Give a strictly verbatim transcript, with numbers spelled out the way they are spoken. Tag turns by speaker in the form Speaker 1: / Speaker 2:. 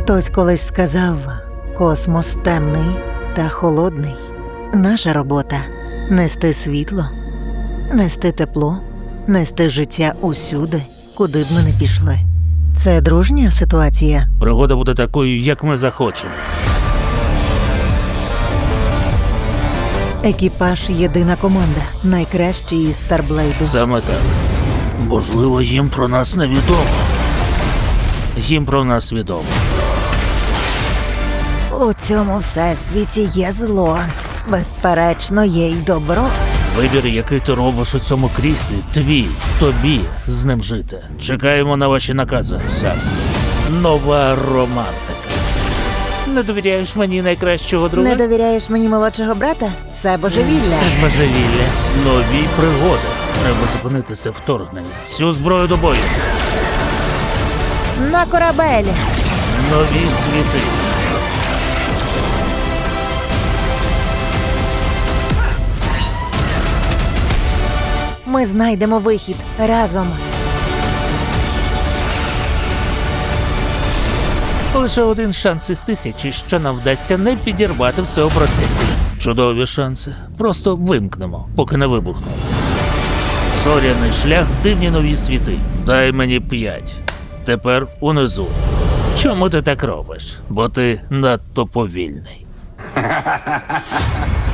Speaker 1: Хтось колись сказав, космос темний та холодний. Наша робота – нести світло, нести тепло, нести життя усюди, куди б ми не пішли. Це дружня ситуація?
Speaker 2: Пригода буде такою, як ми захочемо.
Speaker 1: Екіпаж – єдина команда, найкращі із Старблейду.
Speaker 2: Саме так. Можливо, їм про нас невідомо. Їм про нас відомо.
Speaker 1: У цьому всесвіті є зло. Безперечно, є й добро.
Speaker 2: Вибір, який ти робиш у цьому кріслі, твій, тобі з ним жити. Чекаємо на ваші накази, Сам. Нова романтика. Не довіряєш мені найкращого друга?
Speaker 1: Не довіряєш мені молодшого брата? Це божевілля.
Speaker 2: Це ж божевілля. Нові пригоди. Треба зупинити це вторгнення. Всю зброю до бою.
Speaker 1: На корабель!
Speaker 2: Нові світи.
Speaker 1: Ми знайдемо вихід разом.
Speaker 2: Лише один шанс із тисячі, що нам вдасться не підірвати все у процесі. Чудові шанси. Просто вимкнемо, поки не вибухне. Зоряний шлях, дивні нові світи. Дай мені п'ять. Тепер унизу. Чому ти так робиш? Бо ти надто повільний.